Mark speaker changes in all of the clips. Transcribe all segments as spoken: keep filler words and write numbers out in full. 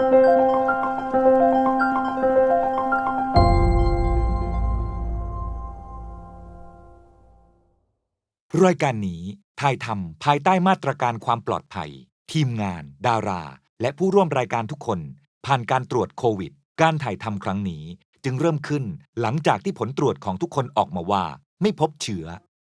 Speaker 1: รายการนี้ถ่ายทำภายใต้มาตรการความปลอดภัยทีมงานดาราและผู้ร่วมรายการทุกคนผ่านการตรวจโควิดการถ่ายทำครั้งนี้จึงเริ่มขึ้นหลังจากที่ผลตรวจของทุกคนออกมาว่าไม่พบเชื้อ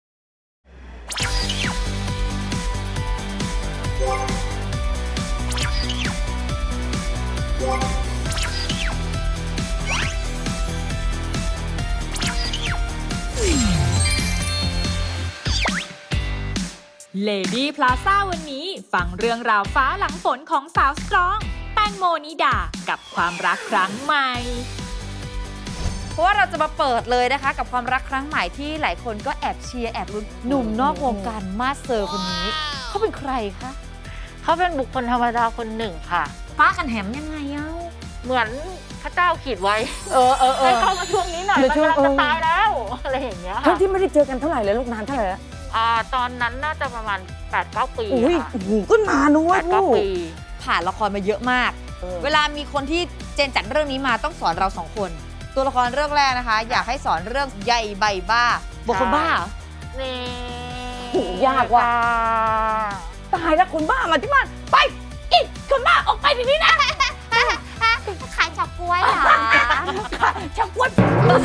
Speaker 2: เลดี้พลาซ่าวันนี้ฟังเรื่องราวฟ้าหลังฝนของสาวสตรองแตงโมนิดากับความรักครั้งใหม่
Speaker 3: เพราะว่าเราจะมาเปิดเลยนะคะกับความรักครั้งใหม่ที่หลายคนก็แอบเชียร์แอบลุ้นหนุ่มนอกวงการมาสเซอร์คนนี้เขาเป็นใครคะ
Speaker 4: เขาเป็นบุคคลธรรมดาคนหนึ่งค่ะ
Speaker 3: ป้ากันแหมยังไงเอ้า
Speaker 4: เหมือนพระเจ้าขีดไว้
Speaker 3: เออเออเออ
Speaker 4: ให้เข้ามาช่วงนี้หน่อยมันกำลังจะตายแล้วอะไรอย่างเงี้ย
Speaker 5: ทั้งที่ไม่ได้เจอกันเท่าไหร่เลยลูกนานเท่าไหร่แล้ว
Speaker 4: อ่าตอนนั้นน่าจะประมาณ แปดเก้า ปี
Speaker 5: ค่ะโอ้โหก็นานนะเว้ย
Speaker 4: แปดเก้า ปี
Speaker 3: ผ่านละครมาเยอะมากเวลามีคนที่เจนจัดเรื่องนี้มาต้องสอนเราสองคนตัวละครเรื่องแรกนะคะอยากให้สอนเรื่องใยใบบ้าบอกคนบ้า
Speaker 4: นี่
Speaker 5: ยากว่ะตายแล้วคนบ้ามาที่บ้านไปอีกคนบ้าออกไปทีนี้นะ
Speaker 3: ขายจับกล้วยเหรอ
Speaker 5: จับกล้วย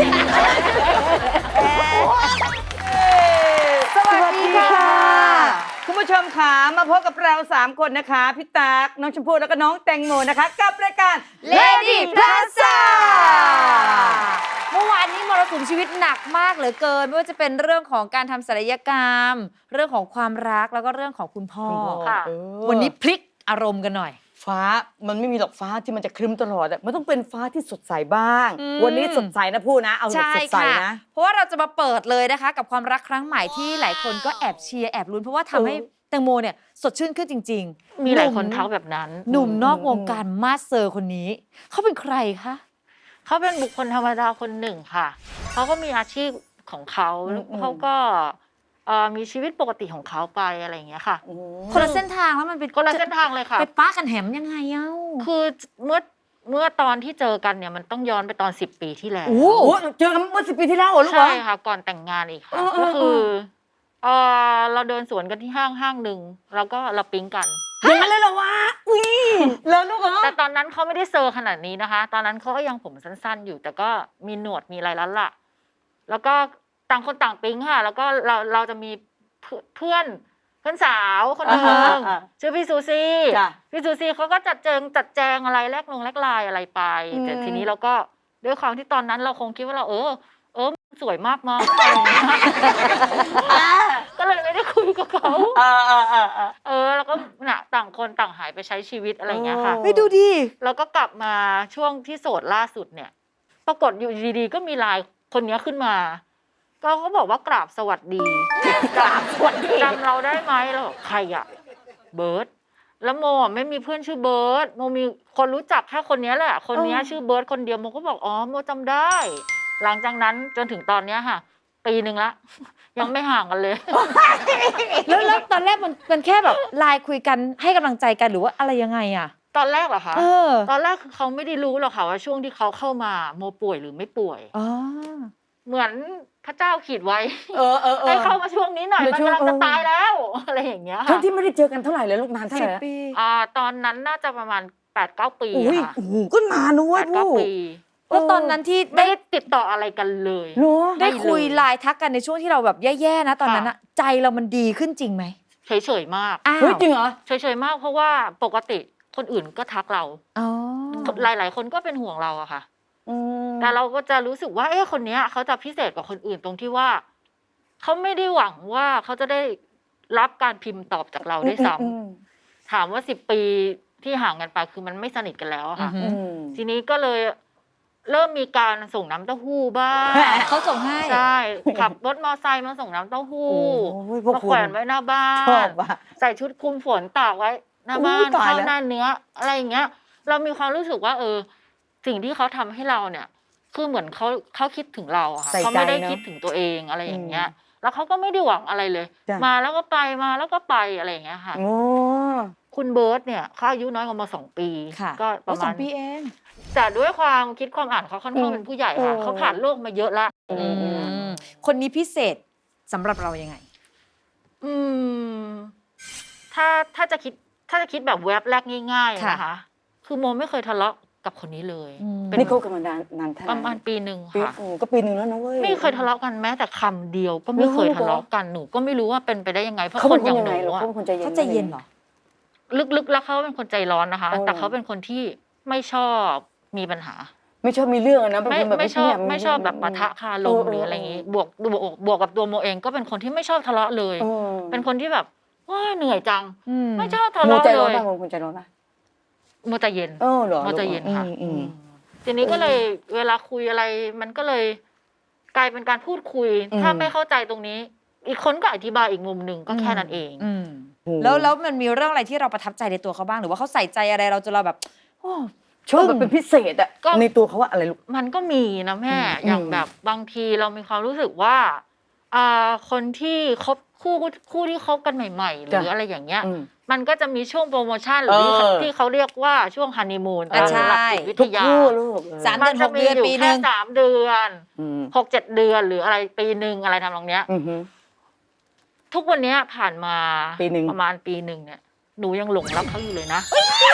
Speaker 5: สวัสดีค่ะคุณผู้ชมค่ะมาพบกับเราสามคนนะคะพี่ตั๊กน้องชมพู่แล้วก็น้องแตงโมนะคะกับรายการ
Speaker 3: Lady Plaza เมื่อวานนี้มรสุมชีวิตหนักมากเหลือเกินไม่ว่าจะเป็นเรื่องของการทำศัลยกรรมเรื่องของความรักแล้วก็เรื่องของคุณพ่อ
Speaker 4: ค่ะ
Speaker 3: วันนี้พลิกอารมณ์กันหน่อย
Speaker 5: ฟ้ามันไม่มีหรอกฟ้าที่มันจะครึ้มตลอดมันต้องเป็นฟ้าที่สดใสบ้างวันนี้สดใสนะพูดนะเอาสดใสนะ
Speaker 3: เพราะว่าเราจะมาเปิดเลยนะคะกับความรักครั้งใหม่ที่หลายคนก็แอบเชียร์แอบลุ้นเพราะว่าทำให้แตงโมเนี่ยสดชื่นขึ้นจริง
Speaker 4: ๆมีหลายคนทักแบบนั้น
Speaker 3: หนุ่มนอกวงการมาสเซอร์คนนี้เขาเป็นใครคะ
Speaker 4: เขาเป็นบุคคลธรรมดาคนหนึ่งค่ะเขาก็มีอาชีพของเขาเขาก็มีชีวิตปกติของเขาไปอะไรอย่างเงี้ยค่ะ
Speaker 3: คนละเส้นทางแล้วมันเป็น
Speaker 4: คนละเส้นทางเลยค่ะ
Speaker 3: ไปป้ากันแหมยังไงเอ้า
Speaker 4: คือเมื่อเมื่อตอนที่เจอกันเนี่ยมันต้องย้อนไปตอนสิบปีที่แล้ว
Speaker 5: โอ้เจอกันเมื่อสิบปีที่แล้วเหรอลูก
Speaker 4: ใช่ค่ะก่อนแต่งงานอีกค่ะก็คือเออเราเดินสวนกันที่ห้างห้างหนึ่งแล้วก็เราปิ๊งกัน
Speaker 5: อย่างนั้นเลยเหรอวะอุ้ยแล้วลูกเหรอ
Speaker 4: แต่ตอนนั้นเขาไม่ได้เซอร์ขนาดนี้นะคะตอนนั้นเขาก็ยังผมสั้นๆอยู่แต่ก็มีหนวดมีอะไรแล้วล่ะแล้วก็ต่างคนต่างปิ๊งค่ะแล้วก็เราเราจะมีเพื่อนเพื่อนสาวคนหนึ่งชื่อพี่ซูซี่พี่ซูซี่เขาก็จัดแจงจัดแจงอะไรแลกลงแลกลายอะไรไปแต่ทีนี้เราก็ด้วยความที่ตอนนั้นเราคงคิดว่าเราเออเออสวยมากมั้งก็เลยไม่ได้คุยกับเขาเออแล้วก็น่ะต่างคนต่างหายไปใช้ชีวิตอะไรอย่างเงี้ยค่ะ
Speaker 3: ไม่ดูดิ
Speaker 4: แล้วก็กลับมาช่วงที่โสดล่าสุดเนี่ยปรากฏอยู่ดีๆก็มีไลน์คนนี้ขึ้นมาก็เขาบอกว่ากราบสวัสดี
Speaker 5: กราบสวัสดี
Speaker 4: จำเราได้ไหมเราใครอะเบิร์ดแล้วโมไม่มีเพื่อนชื่อเบิร์ดโมมีคนรู้จักแค่คนนี้แหละคนนี้ชื่อเบิร์ดคนเดียวโมก็บอกอ๋อโมจำได้หลังจากนั้นจนถึงตอนนี้ค่ะปีหนึ่งละยังไม่ห่างกันเลย
Speaker 3: แล้วแล้วตอนแรกมันมันแค่แบบไลน์คุยกันให้กำลังใจกันหรือว่าอะไรยังไงอะ
Speaker 4: ตอนแรกเหรอคะตอนแรกคือเขาไม่ได้รู้หรอกค่ะว่าช่วงที่เขาเข้ามาโมป่วยหรือไม่ป่วยเหมือนพระเจ้าขีดไว้ให้เข้ามาช่วงนี้หน่อยมันกำลังจะตายแล้วอะไรอย่างเงี้ยค่ะ
Speaker 5: ทั้งที่ไม่ได้เจอกันเท่าไหร่เลยลูกนานเท่าไหร่แล้ว
Speaker 4: อ่าตอนนั้นน่าจะประมาณ แปดเก้า ปี
Speaker 5: ค่ะโอ้โหก็นานนะเว้ย
Speaker 4: แปดเก้า ปี
Speaker 3: แล้วตอนนั้นที่
Speaker 4: ได้ติดต่ออะไรกันเลย
Speaker 3: ได้คุยไลน์ทักกันในช่วงที่เราแบบแย่ๆนะตอนนั้นอะใจเรามันดีขึ้นจริงไหม
Speaker 4: เฉยๆมาก
Speaker 5: เฮ้ยจริงเหรอ
Speaker 4: เฉยๆมากเพราะว่าปกติคนอื่นก็ทักเราหลายๆคนก็เป็นห่วงเราอะค่ะแต่เราก็จะรู้สึกว่าเอ๊ะคนนี้เขาจะพิเศษกว่าคนอื่นตรงที่ว่าเขาไม่ได้หวังว่าเขาจะได้รับการพิมพ์ตอบจากเราด้วยซ้ำถามว่าสิบปีที่ห่างกันไปคือมันไม่สนิทกันแล้วค่ะทีนี้ก็เลยเริ่มมีการส่งน้ำเต้าหู้บ้าง
Speaker 3: เขาส่งให้
Speaker 4: ใช่ขับรถมอเตอร์ไซค์มาส่งน้ำเต้าหู้มาแขวนไว้หน้าบ้านใส่ชุดคลุมฝนตากไว้หน้าบ้านข้าวหน้าเนื้ออะไรอย่างเงี้ยเรามีความรู้สึกว่าเออสิ่งที่เขาทำให้เราเนี่ยคือเหมือนเขาเขาคิดถึงเราอะค่ะเขาไม่ได้คิดถึงตัวเองอะไรอย่างเงี้ยแล้วเขาก็ไม่ได้หวังอะไรเลยมาแล้วก็ไปมาแล้วก็ไปอะไรอย่างเงี้ยค่ะคุณเบิร์ตเนี่ยเขาอายุน้อยกว่ามาสองปี
Speaker 3: ค่ะ
Speaker 4: ก็ป
Speaker 3: โอ้
Speaker 4: ระ
Speaker 3: ส
Speaker 4: มา
Speaker 3: อ
Speaker 4: ณ
Speaker 3: งปีเอง
Speaker 4: แต่ด้วยความคิดความอ่านเขาค่อนข้าง
Speaker 5: อืม
Speaker 4: เป็นผู้ใหญ่ค่ะ
Speaker 5: เออ
Speaker 4: เขาผ่านโลกมาเยอะละ
Speaker 3: อืมคนนี้พิเศษสำหรับเรายังไง
Speaker 4: อืมถ้าถ้าจะคิดถ้าจะคิดแบบแวบแรกง่ายๆ
Speaker 3: ค่ะ
Speaker 4: นะคะ คือโมไม่เคยทะเลาะกับคนนี้เลย
Speaker 3: อืม
Speaker 4: เป็น
Speaker 5: นี่คบกันมานานนานเท่าไห
Speaker 4: ป
Speaker 5: ร่
Speaker 4: ระมาณปีหนึ่ง
Speaker 5: ปี
Speaker 4: ค่ะ
Speaker 5: โอ้ก็ปีหนึ่งแล้วนะเว้ย
Speaker 4: ไม่เคยทะเลาะกันแม้แต่คำเดียวก็ไม่เคยทะเลาะกันหนูก็ไม่รู้ว่าเป็นไปได้ยังไงเพราะ
Speaker 5: เขา
Speaker 4: ค
Speaker 5: เป็น น
Speaker 4: อ
Speaker 5: คน
Speaker 4: ย่าง
Speaker 5: ยัง
Speaker 4: ห
Speaker 5: ไง
Speaker 4: นู
Speaker 5: เหรอ
Speaker 4: อะ
Speaker 5: เขาเป็นคนใจเย็น
Speaker 3: เขาใจเย็นเหรอ
Speaker 4: ลึกๆแล้วเขาเป็นคนใจร้อนนะคะ
Speaker 5: โอ้
Speaker 4: แต่เขาเป็นคนที่ไม่ชอบมีปัญหา
Speaker 5: ไม่ชอบมีเรื่องอะนะเป็น
Speaker 4: ไม่
Speaker 5: คนแบบ
Speaker 4: ไม่ชอบ
Speaker 5: เงียๆ
Speaker 4: ไม่ชอบแบบปะทะคารม
Speaker 5: เออ
Speaker 4: หรืออะไรอย่างงี้บวกบวกบวกกับตัวโมเองก็เป็นคนที่ไม่ชอบทะเลาะเลย
Speaker 5: เออ
Speaker 4: เป็นคนที่แบบว้าเหนื่อยจัง
Speaker 3: อืม
Speaker 4: ไม่ชอบทะ
Speaker 5: โม
Speaker 4: เลาะ
Speaker 5: ใจ
Speaker 4: เล
Speaker 5: ร้อน
Speaker 4: ย
Speaker 5: ป่ะโมคนใจร้อนป่ะ
Speaker 4: โมใจเย็น
Speaker 5: เออเหรอ
Speaker 4: โมใจเย็นค่ะ
Speaker 5: อืมอืม
Speaker 4: ทีนี้ก็เลยเวลาคุยอะไร มันก็เลยกลายเป็นการพูดคุย
Speaker 5: อืม
Speaker 4: ถ้าไม่เข้าใจตรงนี้ อีกคนก็อธิบายอีกมุมหนึ่งก็แค่นั้นเอง
Speaker 3: อืม
Speaker 5: โอ้
Speaker 3: แล้วแล้วมันมีเรื่องอะไรที่เราประทับใจในตัวเขาบ้างหรือว่าเขาใส่ใจอะไรเราจนเราแบบโอ้
Speaker 5: ชอบแบบเป็นพิเศษอะ
Speaker 4: ก็
Speaker 5: ในตัวเขาว่าอะไรลูก
Speaker 4: มันก็มีนะแม่
Speaker 5: อืม
Speaker 4: อย่าง
Speaker 5: อืม
Speaker 4: แบบบางทีเรามีความรู้สึกว่าอ่าคนที่คบคู่คู่ที่คบกันใหม่ ๆ หรืออะไรอย่างเงี้ย
Speaker 5: อืม
Speaker 4: มันก็จะมีช่วงโปรโมชั่นหรือ
Speaker 5: เออ
Speaker 4: ที่เขาเรียกว่าช่วงฮันนีมูน
Speaker 3: อ่ะ
Speaker 4: ตามหลัก
Speaker 3: ใช่
Speaker 4: จิตวิ
Speaker 5: ทุ
Speaker 4: ท
Speaker 5: ก
Speaker 4: ยา
Speaker 5: คู่ลูก
Speaker 3: สาม
Speaker 4: มั
Speaker 3: เดือนห
Speaker 4: จะ
Speaker 3: ก
Speaker 4: มี
Speaker 3: เดือน
Speaker 4: อยู่
Speaker 3: ปีห
Speaker 4: แค่
Speaker 3: นึ่ง
Speaker 4: สามเดือน
Speaker 5: อืม
Speaker 4: หกเจ็ดเดือนหรืออะไรปีหนึ่งอะไรทำนองเนี้ย
Speaker 5: อือฮึ
Speaker 4: ทุกวันเนี้ยผ่านมา
Speaker 5: ปีหนึ่ง
Speaker 4: ประมาณปีหนึ่งเนี่ยหนูยังหลงรักเขาอยู่เลยนะ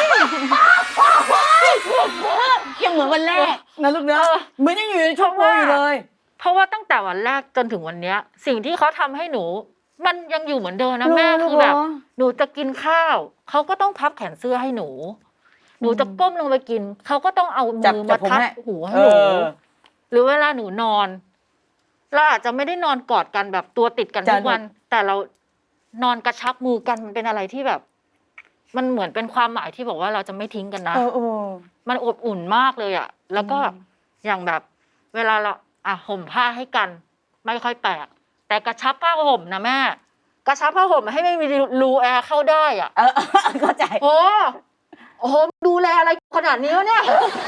Speaker 5: ยังเหมือนวันแรกนะลูกเนอะ
Speaker 4: เออ
Speaker 5: เหมือนยังอยู่ในช่วงโปรอยู่เลย
Speaker 4: เพราะว่าตั้งแต่วันแรกจนถึงวันเนี้ย สิ่งที่เขาทำให้หนู มันยังอยู่เหมือนเดิมนะแม่
Speaker 5: เหรอ
Speaker 4: คือแบบ
Speaker 5: เหรอ
Speaker 4: หนูจะกินข้าวเขาก็ต้องพับแขนเสื้อให้หนู หนูจะก้มลงไปกินเขาก็ต้องเอา
Speaker 5: จับ
Speaker 4: มือ
Speaker 5: จั
Speaker 4: มา
Speaker 5: บผม
Speaker 4: ทับ
Speaker 5: ให้
Speaker 4: หูให้
Speaker 5: เอ
Speaker 4: หนู
Speaker 5: อ
Speaker 4: หรือเวลาหนูนอน เราอาจจะไม่ได้นอนกอดกันแบบตัวติดกัน
Speaker 5: จ้ะ
Speaker 4: ทุกวัน แต่เรานอนกระชับมือกันมันเป็นอะไรที่แบบ มันเหมือนเป็นความหมายที่บอกว่าเราจะไม่ทิ้งกันนะ
Speaker 5: เออเออ
Speaker 4: มันอบอุ่นมากเลยอะแล้วก็
Speaker 5: อืม
Speaker 4: อย่างแบบ เวลาเราอ่ะห่มผ้าให้กัน ไม่ค่อยแปลก แต่กระชับผ้าห่มนะแม่ กระชับผ้าห่มให้ไม่มีรูแอร์เข้าได้อ่ะ
Speaker 5: เออเข้าใจ
Speaker 4: โอ้โอ้โหดูแลอะไรขนาดนี้วะเนี่ย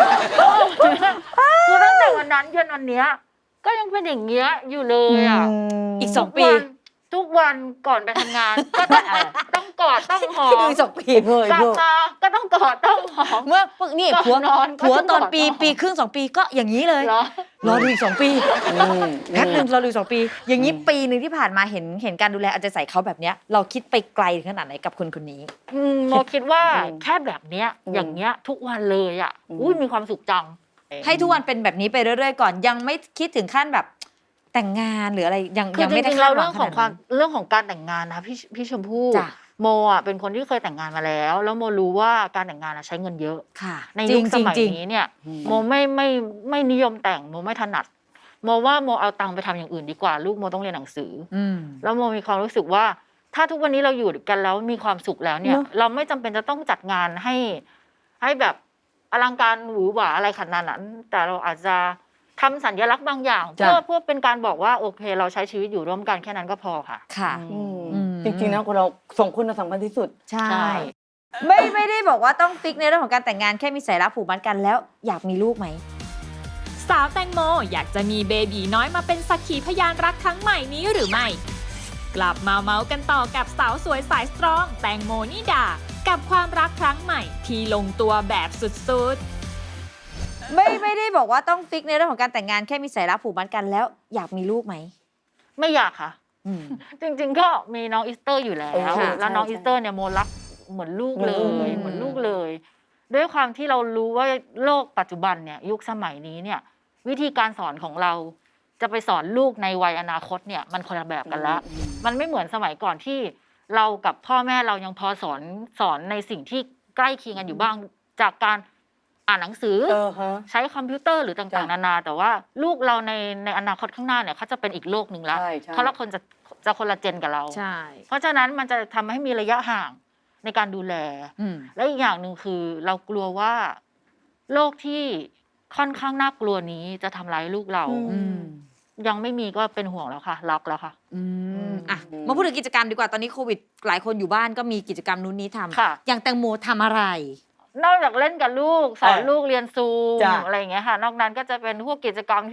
Speaker 4: คือตั้งแต่วันนั้นจนวันเนี้ย ก็ยังเป็นอย่างเงี้ยอยู่เลยอ่ะ
Speaker 3: อีกสอง
Speaker 4: ทุ
Speaker 3: ปี
Speaker 4: วันทุกวันก่อนไปทำงาน ก็ต้องต้องกอดต้องหอ
Speaker 3: ที่ดู
Speaker 4: ม
Speaker 3: อีกสองปี
Speaker 5: เพื่อก
Speaker 4: ลับ
Speaker 5: เพื่อ
Speaker 4: มาก็ต้องกอดต้องหอม
Speaker 3: เมื่อพวกนี่
Speaker 4: ก่อน
Speaker 3: ผัวน
Speaker 4: อนก็
Speaker 3: ผัว
Speaker 4: ต้อง
Speaker 3: ตอน
Speaker 4: กอด
Speaker 3: ปี
Speaker 4: น้อง
Speaker 3: ปีครึ่งสองปีก็อย่างนี้เลย
Speaker 4: เหรอ
Speaker 3: รอดูอีกสองปี
Speaker 5: อืม
Speaker 3: แป๊บหนึ่งรอดูอีกสองปี อย่างนี้
Speaker 5: อืม
Speaker 3: ปีหนึ่งที่ผ่านมาเห็นเห็นการดูแลเอาใจใส่เขาแบบเนี้ย เราคิดไปไกลถึงขนาดไหนกับคนคนนี้
Speaker 4: อืมโมคิดว่า
Speaker 5: อืม
Speaker 4: แค่แบบเนี้ย
Speaker 5: อืม
Speaker 4: อย่างเงี้ย ทุกวันเลยอ่ะ
Speaker 5: อืม
Speaker 4: อุ้ยมีความสุขจัง
Speaker 3: ให้ทุกวันเป็นแบบนี้ไปเรื่อยๆก่อนยังไม่คิดถึงขั้นแบบแต่งงานหรืออะไรยัง
Speaker 4: คือ
Speaker 3: ยัง
Speaker 4: จ
Speaker 3: ไม่ได้
Speaker 4: ริงๆ
Speaker 3: คา
Speaker 4: แล้
Speaker 3: ด
Speaker 4: ว
Speaker 3: หวั
Speaker 4: เรื่อง งของ
Speaker 3: ขนาด
Speaker 4: ความ
Speaker 3: นั้น
Speaker 4: เรื่องของการแต่งงานนะพี่พี่ชมพู่
Speaker 3: จ้ะ
Speaker 4: โมอ่ะเป็นคนที่เคยแต่งงานมาแล้ว แล้วโมรู้ว่าการแต่งงานอะใช้เงินเยอะ
Speaker 3: ค่ะ
Speaker 4: ใน
Speaker 3: จริ
Speaker 4: ยุ
Speaker 3: ง
Speaker 4: ค
Speaker 3: จ
Speaker 4: ส
Speaker 3: ริง
Speaker 4: มัย
Speaker 3: จริง
Speaker 4: นี้เนี่ย
Speaker 5: อืม
Speaker 4: โมไม่ไม่ไม่นิยมแต่งโมไม่ถนัดโมว่าโมเอาตังค์ไปทำอย่างอื่นดีกว่า ลูกโมต้องเรียนหนังสือ
Speaker 3: อืม
Speaker 4: แล้วโมมีความรู้สึกว่า ถ้าทุกวันนี้เราอยู่กันแล้วมีความสุขแล้วเนี่ย
Speaker 5: เนอะ
Speaker 4: เราไม่จำเป็นจะต้องจัดงานให้ ให้แบบอลังการหวือหวาอะไรขนาดนั้น แต่เราอาจจะทำสัญลักษณ์บางอย่าง
Speaker 5: จ้ะ
Speaker 4: เพื่อเพื่อเป็นการบอกว่าโอเค เราใช้ชีวิตอยู่ร่วมกันแค่นั้นก็พอค่ะ
Speaker 3: ค่ะ
Speaker 5: อืม
Speaker 3: อืม
Speaker 5: จริงๆนะคนเราสองคนน่ะสำคัญที่สุด
Speaker 3: ใช่
Speaker 4: ใช่
Speaker 3: ไม่ไม่ได้บอกว่าต้องฟิกในเรื่องของการแต่งงานแค่มีสายรักผูกมัดกันแล้วอยากมีลูกไหม
Speaker 2: สาวแตงโมอยากจะมีเบบีน้อยมาเป็นสักขีพยานรักครั้งใหม่นี้หรือไม่ กลับมาเมาส์กันต่อกับสาวสวยสายสตรอง แตงโมนิดา กับความรักครั้งใหม่ที่ลงตัวแบบสุดๆ
Speaker 3: ไม่ไม่ได้บอกว่าต้องฟิกในเรื่องของการแต่งงานแค่มีสายรักผูกมัดกันแล้วอยากมีลูกไหม
Speaker 4: ไม่อยากค่ะ
Speaker 3: อืม
Speaker 4: จริงๆก็มีน้องอีสเตอร์อยู่แล้ว
Speaker 5: เออค่ะ
Speaker 4: แล้วน้อง
Speaker 5: ใช่
Speaker 4: อีสเตอร์เนี่ยโมรักเหมือนลูกเลย
Speaker 5: อืม
Speaker 4: เหมือนลูกเลย ด้วยความที่เรารู้ว่าโลกปัจจุบันเนี่ยยุคสมัยนี้เนี่ย วิธีการสอนของเราจะไปสอนลูกในวัยอนาคตเนี่ยมันคนละแบบกันละ
Speaker 5: อืม
Speaker 4: มันไม่เหมือนสมัยก่อนที่เรากับพ่อแม่เรายังพอสอนสอนในสิ่งที่ใกล้เคียงกันอยู่บ้าง จากการอ่านหนังสือ
Speaker 5: เออฮะ
Speaker 4: ใช้คอมพิวเตอร์หรือต่างๆ
Speaker 5: จ้ะ
Speaker 4: นานา แต่ว่าลูกเราในในอนาคตข้างหน้าเนี่ยเขาจะเป็นอีกโลกหนึ่งละ
Speaker 5: ใช่ใช่
Speaker 4: เพราะเราคนจะจะคนละเจนกับเรา
Speaker 3: ใช่
Speaker 4: เพราะฉะนั้นมันจะทำให้มีระยะห่างในการดูแล
Speaker 3: อืม
Speaker 4: และอีกอย่างหนึ่งคือ เรากลัวว่าโรคที่ค่อนข้างน่ากลัวนี้จะทำร้ายลูกเรา
Speaker 5: อื
Speaker 3: อืม
Speaker 4: ยังไม่มีก็เป็นห่วงแล้วค่ะ รักแล้วค่ะ
Speaker 3: อืมอ่ะ
Speaker 5: อืม
Speaker 3: มาพูดถึงกิจกรรมดีกว่าตอนนี้โควิด หลายคนอยู่บ้านก็มีกิจกรรมนู้นนี้ทำ
Speaker 4: ค่ะ
Speaker 3: อย่างแตงโมทำอะไร
Speaker 4: นอกจากเล่นกับลูกสอน
Speaker 5: เออ
Speaker 4: ลูกเรียนซูม
Speaker 5: จ้ะ
Speaker 4: อะไรอย่างเงี้ยค่ะ นอกนั้นก็จะเป็นพวกกิจกรรมที่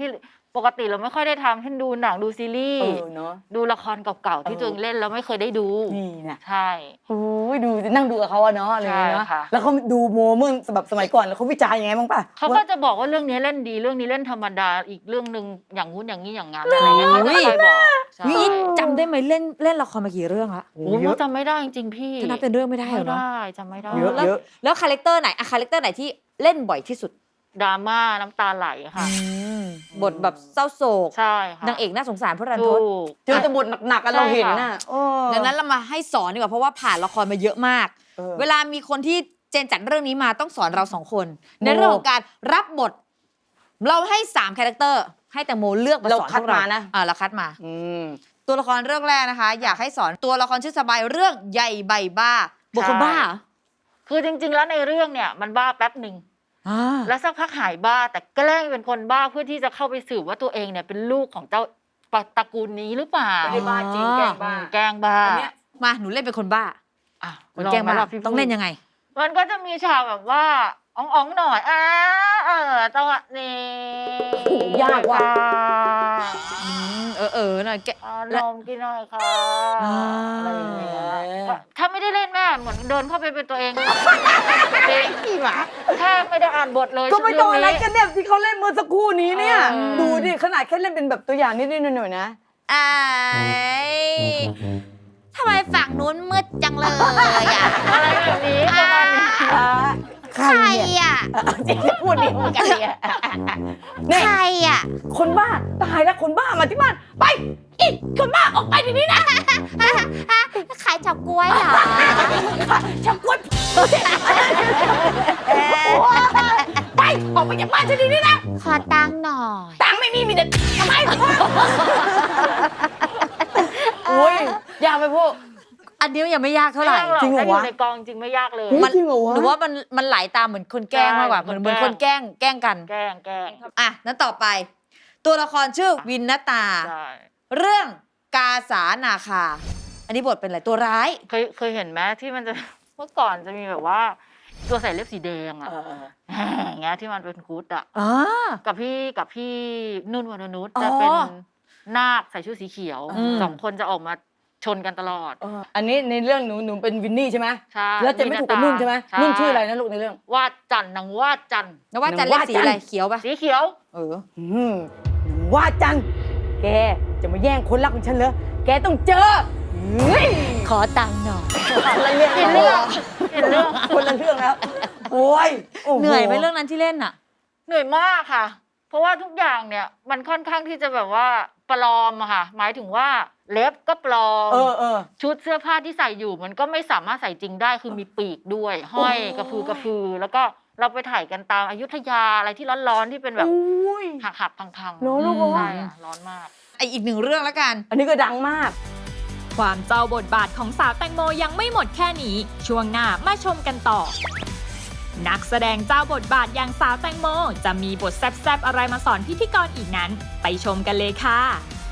Speaker 4: ปกติเราไม่ค่อยได้ทำเช่นดูหนังดูซีรีส์
Speaker 5: เออเนาะ
Speaker 4: ดูละครเก่าๆที่
Speaker 5: เออ
Speaker 4: ตัวเองเล่นแล้วไม่เคยได้ดู
Speaker 5: นี่นะ
Speaker 4: ใช่
Speaker 5: โอ้ยดูนั่งดูกับเขาอะเนาะอะไรอย่างเงี้ยเนาะ
Speaker 4: ใช่ค่ะ
Speaker 5: แล้วเขาดูโมเมื่อแบบสมัยก่อนแล้วเขาวิจารณ์ยังไงบ้างป่ะ
Speaker 4: เขาก็จะบอกว่าเรื่องนี้เล่นดีเรื่องนี้เล่นธรรมดาอีกเรื่องหนึ่งอย่างงู้นอย่างนี้อย่างงั้นอะไรเงี้ยเขาจะคอยบอกใช่
Speaker 3: นี่จำได้ไหมเล่นเล่นละครมากี่เรื่องละ
Speaker 5: โอ้
Speaker 4: โอ้
Speaker 5: เย
Speaker 4: ย
Speaker 5: อะ
Speaker 4: จำไม่ได้จริงๆพี่
Speaker 3: ถ้านับเป็นเรื่องไม่ได้เหร
Speaker 4: ไม่
Speaker 3: อเนาะ
Speaker 4: ได้จำไม่ได้
Speaker 5: เยอะ
Speaker 3: แล้ว
Speaker 5: เยอะ
Speaker 3: แล้วคาแรคเตอร์ไหนอะคาแรคเตอร์ไหนที่เล่นบ่อยที่สุด
Speaker 4: ดราม่าน้ำตาไหลค่ะ
Speaker 3: บทแบบเศร้าโศก
Speaker 4: ใช่ค่ะ
Speaker 3: นางเอกน่าสงสารพระรันท
Speaker 4: ถู
Speaker 3: ด
Speaker 4: ก
Speaker 5: เจอแต่บทหนักๆกันเราเห็นน่ะเออ
Speaker 3: ดังนั้นเรามาให้สอนดีกว่าเพราะว่าผ่านละครมาเยอะมาก
Speaker 5: ออ
Speaker 3: เวลามีคนที่เจนจัดเรื่องนี้มาต้องสอนเราสองคน
Speaker 5: โม
Speaker 3: ในเรื่องของการรับบท เราให้สามคาแรคเตอร์ให้แตงโมเลือกมาสอน
Speaker 5: เราคัด
Speaker 3: พวกเรา
Speaker 5: มานะ
Speaker 3: อ่าเราคัดมา
Speaker 5: อืม
Speaker 3: ตัวละครเรื่องแรกนะคะ อยากให้สอนตัวละครชื่อสบายเรื่องใหญ่ใบบ้าบุคคลบ้าเหรอ
Speaker 4: คือจริงๆแล้วในเรื่องเนี่ยมันบ้าแป๊บหนึ่ง
Speaker 3: อ่า
Speaker 4: แล้วสักพักหายบ้าแต่แกล้งเป็นคนบ้าเพื่อที่จะเข้าไปสืบว่าตัวเองเนี่ยเป็นลูกของเจ้าตระกูลนี้หรือเปล่า
Speaker 5: ไม่ได้บ้าจริงแกล้งบ้า
Speaker 4: แกล้งบ้า
Speaker 5: อันเนี้ย
Speaker 3: มาหนูเล่นเป็นคนบ้า
Speaker 4: อ่ะ
Speaker 3: คนแกล้งบ้า
Speaker 4: ลอไหมะพี่
Speaker 3: ต้องเล่นยังไง
Speaker 4: มันก็จะมีฉากแบบว่าอ่องๆหน่อยอ่าเออจังหวะนี้
Speaker 5: โอ้โหยากว่ะ
Speaker 3: อืมเออเออหน่อยแก
Speaker 4: อ่านมกินหน่อยค่ะ
Speaker 3: อ่า
Speaker 4: อะไรอย่างเงี้ยถ้าไม่ได้เล่นแม่เหมือนเดินเข้าไปเป็นตัวเองเป็น
Speaker 5: อีหมา
Speaker 4: แค่ไม่ได้อ่านบทเลย
Speaker 5: ก็ไม่ต้องอะไร
Speaker 4: เ
Speaker 5: กันเนี่ยที่เขาเล่นเมื่อสักครู่นี้เนี่ย
Speaker 4: เออ
Speaker 5: ดูดิขนาดแค่เล่นเป็นแบบตัวอย่างนิดๆหน่อยๆนะ
Speaker 3: ไอ้ทำไมฝั่งนู้นมืดจังเลยอ่ะ
Speaker 4: อะไรแบบนี้ประมาณนี้
Speaker 5: ใครเนี่ย
Speaker 3: อ่ะ
Speaker 5: จริงๆพูดดีเหมือนกันเนี่ยนี่
Speaker 3: ใครอ่ะ
Speaker 5: คนบ้าตายแล้วคนบ้ามาที่บ้านไปอีกคนบ้าออกไปเดี๋ยวนี้นะ
Speaker 3: ขายเฉาก๊วยเหรอ
Speaker 5: ชักกวนไปออกไปจากบ้านฉันเดี๋ยวนี้นะ
Speaker 3: ขอตังค์หน่อย
Speaker 5: ตังค์ไม่มีมีแต่ทำไมโอ้ยยากไปพวก
Speaker 3: อันนี้ยังไม่ยากเท่าไหร่
Speaker 4: ม่ยกก
Speaker 5: จริงเหรอ
Speaker 4: ถ้าอยู่
Speaker 5: วะ
Speaker 4: ในกองจริงไม่ยากเลย
Speaker 5: เฮ้ย
Speaker 3: มัน
Speaker 5: จริงเหรอวะ
Speaker 3: หนูว่ามันมันไหลตามเหมือนคนแกล้งมากกว่า
Speaker 4: ใช่
Speaker 3: เหมือน
Speaker 4: ค
Speaker 3: เหมือน
Speaker 4: น
Speaker 3: ค
Speaker 4: แกล้
Speaker 3: น
Speaker 4: ง
Speaker 3: แกล้งแกล้งกัน
Speaker 4: แกล้งแกล้ง
Speaker 3: อ่ะนั้นต่อไป ตัวละครชื่อวินนตา
Speaker 4: ใช่
Speaker 3: เรื่องกาสานาคา อันนี้บทเป็นอะไรตัวร้าย
Speaker 4: เคยเคยเห็นไหมที่มันจะ เมื่อก่อนจะมีแบบว่า ตัวใส่เล็บสีแดงอะ
Speaker 5: เออ
Speaker 4: อย่างเงี้ยที่มันเป็นคุดอะ
Speaker 3: อ๋อ
Speaker 4: กับพี่กับพี่นุ่นวรนุช
Speaker 3: อ๋อ
Speaker 4: จะเป็นนาคใส่ชุดสีเขียว
Speaker 3: อืม
Speaker 4: สองคนจะออกมาชนกันตลอด
Speaker 5: เอออันนี้ในเรื่องหนูหนูเป็นวินนี่ใช่ไหม
Speaker 4: ใช่
Speaker 5: แล้วจะไม่ถูกกับนุ่นใช่ไหมนุ่นชื่ออะไรนะลูกในเรื่อง
Speaker 4: วาดจันทร์นางวาดจันทร์
Speaker 3: แล้วว่าจะเล่นสีอะไร
Speaker 5: ว่าจัน
Speaker 3: เขียวปะ
Speaker 4: สีเขียว
Speaker 3: เออ
Speaker 5: อืมว่าจันแกจะมาแย่งคนรักของฉันเหรอแกต้องเจอเฮ้ย
Speaker 3: ขอตังค์หน่อย
Speaker 5: คนละเรื่อง
Speaker 4: เห็นเรื่องเห็นเรื่อง
Speaker 5: คนละเรื่องแล้วโอ้ยโโ
Speaker 3: เหนื่อยไหมเรื่องนั้นที่เล่นอ่ะ
Speaker 4: เหนื่อยมากค่ะ เพราะว่าทุกอย่างเนี่ยมันค่อนข้างที่จะแบบว่าปลอมอะค่ะ หมายถึงว่าเล็บก็ปลอม
Speaker 5: เออเออ
Speaker 4: ชุดเสื้อผ้าที่ใส่อยู่มันก็ไม่สามารถใส่จริงได้คือมีปีกด้วย ห้อย
Speaker 5: โอ้ย
Speaker 4: กระพือกระพือ แล้วก็เราไปถ่ายกันตามอยุธยาอะไรที่ร้อนๆที่เป็นแบบ
Speaker 5: โอ้ย
Speaker 4: หักหักๆพังๆ
Speaker 5: เนอะลูก
Speaker 3: อืม
Speaker 4: ใช่อะร้อนมาก
Speaker 3: ไออีกหนึ่งเรื่องแล้วกัน
Speaker 5: อันนี้ก็ดังมาก
Speaker 2: ความเจ้าบทบาทของสาวแตงโมยังไม่หมดแค่นี้ ช่วงหน้ามาชมกันต่อ นักแสดงเจ้าบทบาทอย่างสาวแตงโม จะมีบทแซ่บๆอะไรมาสอนพิธีกรอีกนั้น ไปชมกันเลยค่ะ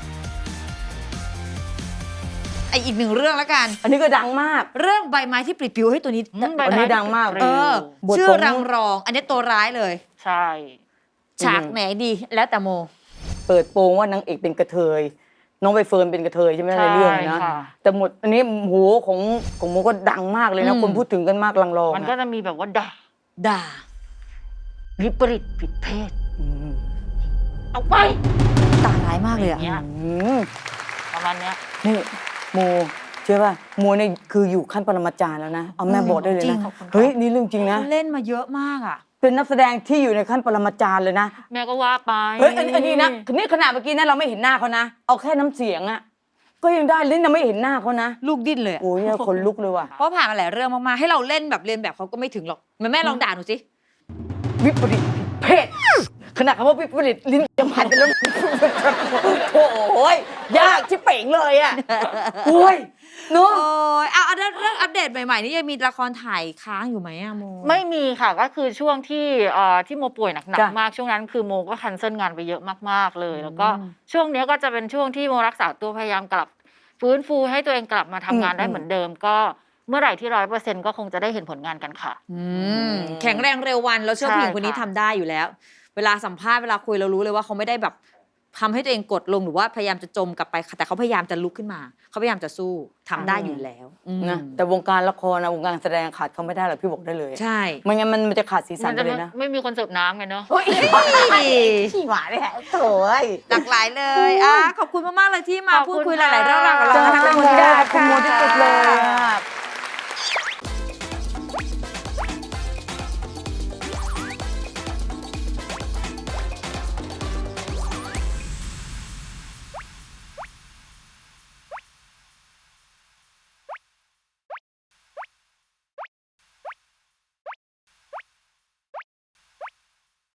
Speaker 3: ไออีกหนึ่งเรื่องแล้วกัน
Speaker 5: อันนี้ก็ดังมาก
Speaker 3: เรื่องใบไม้ที่ปลิดปลิวให้ตัวนี้
Speaker 4: อืมใบ
Speaker 5: อันนี้ดังมาก
Speaker 3: เออ
Speaker 5: บท
Speaker 3: ชื่อ
Speaker 5: ของ
Speaker 3: รังรอง อันนี้ตัวร้ายเลย
Speaker 4: ใช่
Speaker 3: ฉากไหนดีแล้วแต่โม
Speaker 5: เปิดโปงว่านางเอกเป็นกระเทยน้องใบเฟิร์นเป็นกระเทยใช่ไหม
Speaker 4: ใช่
Speaker 5: ในเรื่องนะ
Speaker 4: ค่ะ
Speaker 5: แต่หมดอันนี้โหของของโมก็ดังมากเลยนะ
Speaker 3: อืม
Speaker 5: คนพูดถึงกันมากลังรอง
Speaker 4: มันก็
Speaker 5: อะ
Speaker 4: จะมีแบบว่าด่า
Speaker 3: ด่า
Speaker 4: วิปริตผิดเพศ
Speaker 5: อืม
Speaker 4: เอาไป
Speaker 3: ตาร้ายมากเลย
Speaker 4: อ
Speaker 3: อ่ะ
Speaker 4: ย่างเงี้ย
Speaker 5: อืม
Speaker 4: ประมาณเนี้ย
Speaker 5: นี่โมเชื่อป่ะโมเนี่ยคืออยู่ขั้นปรมาจารย์แล้วนะเอาแม่บอกได้เลย
Speaker 3: จริ
Speaker 5: นะ
Speaker 3: ง
Speaker 5: เฮ้ยนี่เรื่องจริงนะ
Speaker 3: เขาเล่นมาเยอะมากอ่ะ
Speaker 5: เป็นนักแสดงที่อยู่ในขั้นปรมาจารย์เลยนะ
Speaker 4: แม่ก็ว่าไป
Speaker 5: เฮ้ยอันอันนี้นะนี่ขนาดเมื่อกี้นะเราไม่เห็นหน้าเขานะเอาแค่น้ำเสียงอะก็ยังได้เล่นยังไม่เห็นหน้าเขานะ
Speaker 3: ลูกดิ้นเลยอะ
Speaker 5: โอ้ยเนี่ยคนลุกเลยว่ะ
Speaker 3: เพราะผ่านมาหลายเรื่องมากๆ ให้เราเล่นแบบเรียนแบบเขาก็ไม่ถึงหรอกแม่แม่ลองด่าหนูสิ
Speaker 5: วิปริตเพศขนาดคำว่าวิปริตลิ้นยังพันกันแล้วโอ้ยยากชิบเป่งเลยอะโอ้ยเนาะ
Speaker 3: โอ้ยเอาเอาเรื่องเรื่องอัปเดตใหม่ๆ นี่ยังมีละครถ่ายค้างอยู่ไหมอะโม
Speaker 4: ไม่มีค่ะก็คือช่วงที่เอ่อที่โมป่วยหนัก
Speaker 5: จ้ะ
Speaker 4: ๆมากช่วงนั้นคือโมก็คันเซิลงานไปเยอะมากๆเลย แล้วก็
Speaker 3: อืม
Speaker 4: ช่วงเนี้ยก็จะเป็นช่วงที่โมรักษาตัวพยายามกลับ ฟื้นฟูให้ตัวเองกลับมาทำงานได้เหมือนเดิม ก็เมื่อไหร่ที่ร้อยเปอร์เซ็นต์ก็คงจะได้เห็นผลงานกันค่ะ
Speaker 3: อืมแข็งแรงเร็ววันเราเชื่อ
Speaker 4: ใช่
Speaker 3: ผู้หญิงคนนี้
Speaker 4: ค่ะ
Speaker 3: ทำได้อยู่แล้ว เวลาสัมภาษณ์เวลาคุยเรารู้เลยว่าเขาไม่ได้แบบทำให้ตัวเองกดลงหรือว่าพยายามจะจมกลับไปแต่เขาพยายามจะลุกขึ้นมาเขาพยายามจะสู้ทำได้อยู่แล้วอืม
Speaker 5: นะแต่วงการละครนะวงการแสดงขาดเขาไม่ได้หรอกพี่บอกได้เลย
Speaker 3: ใช่
Speaker 5: ไม่งั้นมันมันจะขาดสีสั
Speaker 4: มัน น
Speaker 5: ไป
Speaker 4: จะ
Speaker 5: เลยนะ
Speaker 4: ไม่มีคนเสิร์ฟน้ำไงเนาะ
Speaker 5: ขี้หมาเนี่ยโถ่ย
Speaker 3: หลากหลายเลยอ่ะขอบคุณมากๆเลยที่มา
Speaker 4: ขอบ
Speaker 3: พู
Speaker 4: คุ
Speaker 3: ด
Speaker 4: ณ
Speaker 3: คุยห
Speaker 4: ค่ะ
Speaker 3: ลายๆเรื่องราวกับเรา
Speaker 5: จ้า
Speaker 3: นะคะ
Speaker 5: ขอบคุณ
Speaker 3: ณ
Speaker 5: ค่ะ
Speaker 3: ค่ะ
Speaker 5: ขอบคุณโมที่สุดเลยอะ